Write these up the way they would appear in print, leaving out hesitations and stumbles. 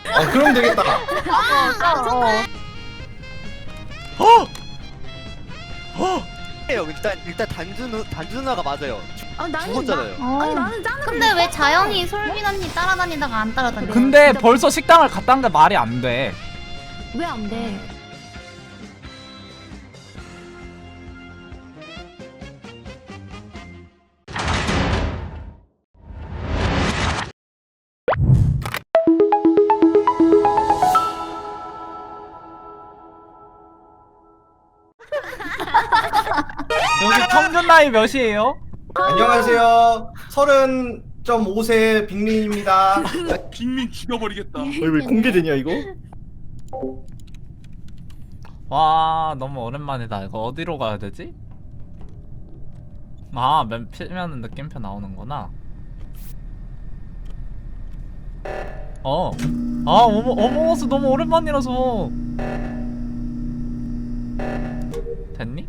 아 그럼 되겠다. 일단 단주 누나가 맞아요. 나는 죽었잖아요. 아니 나는 짜는. 근데 왜 자영이 솔빈 언니 따라다니다가 안 따라다녀? 근데 벌써 식당을 갔다는 게 말이 안 돼. 왜 안 돼? 여기 평균 나이 몇이에요? 안녕하세요. 30.5세 빅민입니다. 빅민 죽여버리겠다. 왜 공개되냐 이거? 와 너무 오랜만이다. 이거 어디로 가야 되지? 아 맵 피면은 느낌표 나오는구나. 어머머스 너무 오랜만이라서. 됐니?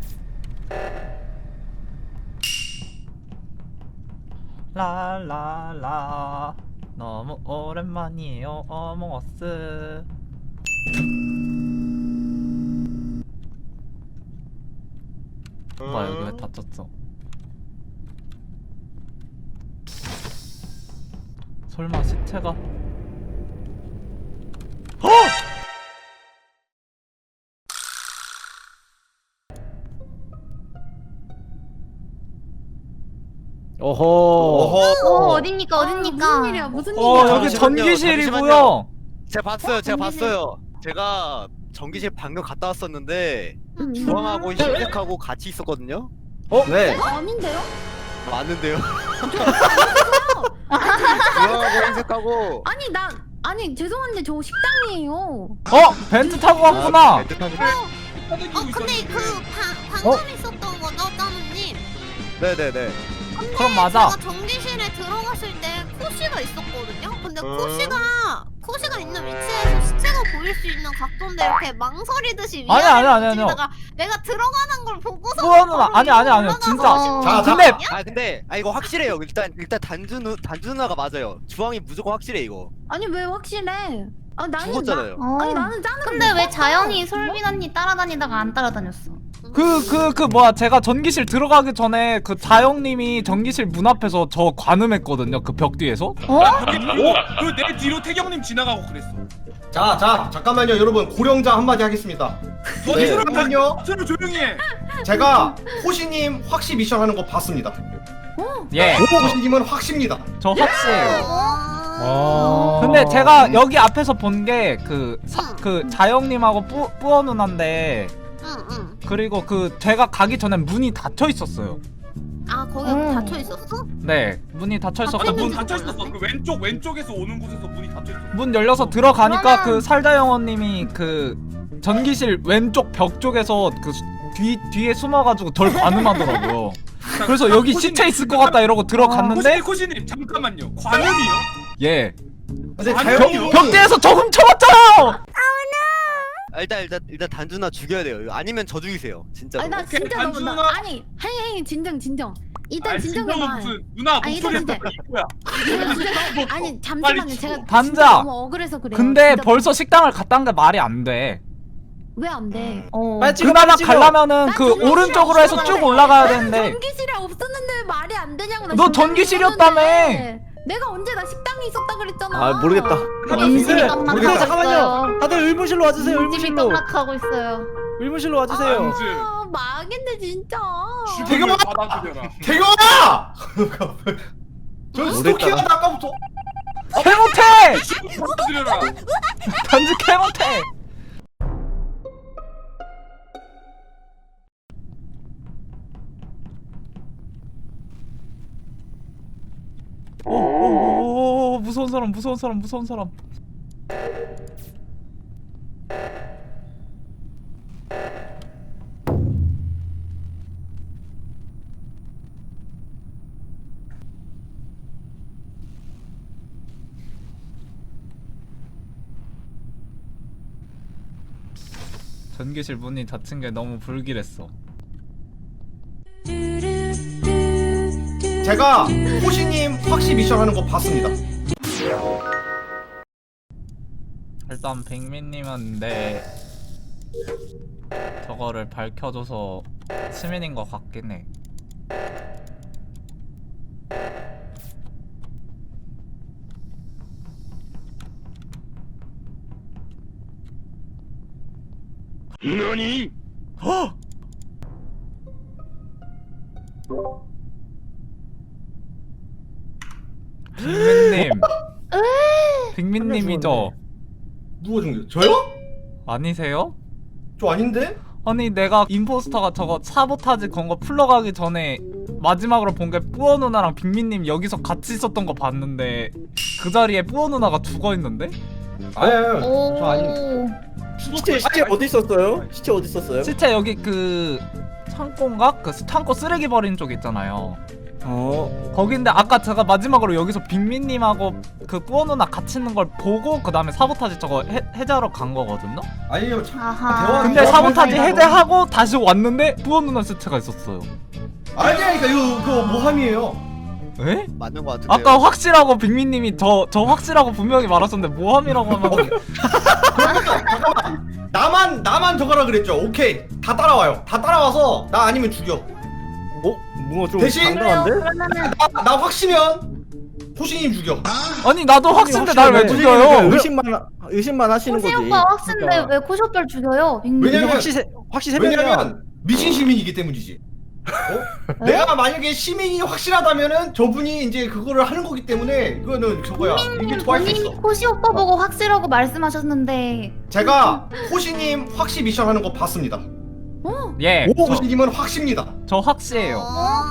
라라라 너무 오랜만이에요 어몽어스. 뭐야 여기 왜 닫혔어? 설마 시체가? 어! 어허. 어딥니까 어딥니까? 무슨 일이야 무슨 일이야? 여기 잠시만요, 전기실이고요. 제가 봤어요. 제가 전기실. 봤어요. 제가 전기실 방금 갔다 왔었는데 음. 주황하고 흰색하고 같이 있었거든요. 네. 아닌데요? 맞는데요. 주황하고 흰색하고. 아니 죄송한데 저 식당이에요. 벤트 타고 왔구나. 근데 그 방금 있었던 거죠, 짜누님? 네네네. 그럼 맞아. 제가 전기실에 들어갔을 때 코시가 있었거든요. 근데 코시가 있는 위치에서 시체가 보일 수 있는 각도인데 이렇게 망설이듯이 아니야. 움직이다가 내가 들어가는 걸 보고서 그거는 아니야 진짜. 근데 이거 확실해요. 일단 단주 누나가 맞아요. 주황이 무조건 확실해 이거. 아니 왜 확실해? 나는 죽었잖아요. 아니 나는 짜는. 근데 왜 자영이 솔빈 언니 따라다니다가 안 따라다녔어? 뭐야 제가 전기실 들어가기 전에 그 자영님이 전기실 문 앞에서 저 관음했거든요. 그 벽 뒤에서. 그내 뒤로 태경님 지나가고 그랬어. 자 잠깐만요 여러분 고령자 한마디 하겠습니다. 네. 저는요 서로 조용히 해. 제가 호시님 확시 미션 하는 거 봤습니다. 예. 호시님은 확시입니다. 저 확실해요. 아. 근데 제가 여기 앞에서 본 게 그 자영님하고 뿌어 누나인데 응. 그리고 제가 가기 전에 문이 닫혀 있었어요. 아 거기 닫혀 있었어? 네, 문이 닫혀 있었고 문 닫혀 있었어. 그 왼쪽에서 오는 곳에서 문이 닫혀 있었어. 문 열려서 들어가니까 그러면- 그 살자영어님이 그 전기실 왼쪽 벽 쪽에서 그 뒤에 숨어가지고 덜 관음하더라고요. 그래서 여기 시체 있을 것 같다 이러고 들어갔는데 코시님 잠깐만요. 관음이요? 예, 근데 아니, 자영 벽 뒤에서 저 훔쳐봤잖아요. 일단 단주 누나 죽여야 돼요. 아니면 저 죽이세요. 진짜. 아니 나 오케이, 진짜 너무 단순한- 아니 헤이 진정. 일단 진정해봐. 진정은 무슨 누나 아니, 목소리에서 일단 이거야. 아니 잠시만요. 빨리 제가 단자. 진짜 너무 억울해서 그래요. 근데 진짜 벌써 식당을 갔다는 게 말이 안 돼. 왜 안 돼? 그나마 가려면은 그 오른쪽으로 해서 쭉 올라가야 되는데. 전기실에 없었는데 말이 안 되냐고. 나 너 진짜 전기실이었다며. 있었는데. 내가 언제 나 식당에 있었다 그랬잖아. 아 모르겠다. 임집이 모르겠다. 떡락하고 잠깐만요. 있어요. 다들 의문실로 와주세요. 임집이 의문실로. 떡락하고 있어요. 의문실로 와주세요. 안즈. 망했네 진짜. 태경아! 받아들여라. 태경아! 저 모르겠다. 스토킹하다 아까부터. 캐못해. 받아들여라. 단지 캐못해. 오, 무서운 사람. 전기실 문이 닫힌 게 너무 불길했어. 제가 호시님 확시 미션 하는 거 봤습니다. 일단 백민님은 내 저거를 밝혀줘서 시민인 것 같긴 해. 너니? 헉! 빅민님, 빅민님이죠? 누가 중계? 저요? 아니세요? 저 아닌데? 아니 내가 임포스터가 저거 사보타지 건 거 풀러가기 전에 마지막으로 본 게 뿌어 누나랑 빅민님 여기서 같이 있었던 거 봤는데 그 자리에 뿌어 누나가 죽어 있는데? 아니 저 아닌. 시체 어디 있었어요? 시체 어디 있었어요? 실제 여기 그 창고인가? 그 창고 쓰레기 버리는 쪽 있잖아요. 거긴데 아까 제가 마지막으로 여기서 빅민님하고 그 뿌어 누나 같이 있는 걸 보고 그 다음에 사보타지 저거 해제하러 간 거거든요? 아니요. 참. 아하. 대화- 근데 대화- 사보타지 대화- 해제하고 다시 왔는데 뿌어 누나 시체가 있었어요. 아니야, 이거 그거 모함이에요. 에? 맞는 거 같은데요. 아까 확실하고 빅민님이 저 확실하고 분명히 말하셨는데 모함이라고 하면 나만 저거라 그랬죠. 오케이. 다 따라와요. 다 따라와서 나 아니면 죽여. 뭔가 좀 대신- 당당한데? 그러면은 나 확시면 호신님 죽여. 아니 나도 확신데 날 왜 확실해. 죽여요? 의심만 하시는 코시 거지. 오빠 확신데 그러니까. 왜 코시 오빠를 죽여요? 왜냐면- 확시 세 명이야. 왜냐면 미신 시민이기 때문이지. 어? 내가 만약에 시민이 확실하다면은 저분이 이제 그거를 하는 거기 때문에 이거는 저거야. 이게 더할 수 있어. 본인이 코시 오빠 보고 확실하고 말씀하셨는데 제가 호시님 확시 미션 하는 거 봤습니다. 예, 호시님은 확시입니다. 저 확시예요.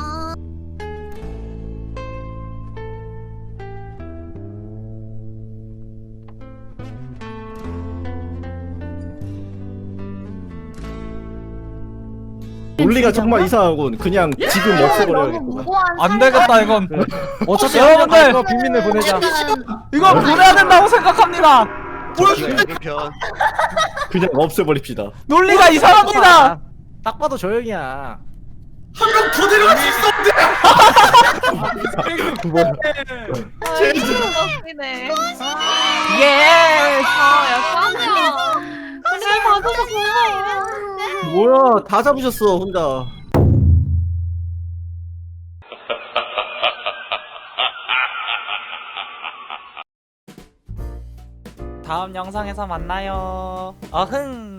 논리가 정말 이상하군. 그냥 지금 너무 없애버려야겠구만. 무고한 안 되겠다 이건. 어차피 여러분들! 이거 빈민을 보내자. 이거 보내야 된다고 생각합니다. 편. 그냥 없애버립시다. 논리가 이상합니다. 딱 봐도 저 형이야. 한 명 더 데려갈 수 있었는데. 뭐 웃기네. 예. 잘 봐줘서 고마워. 뭐야? 다 잡으셨어 혼자. 다음 영상에서 만나요. 어흥.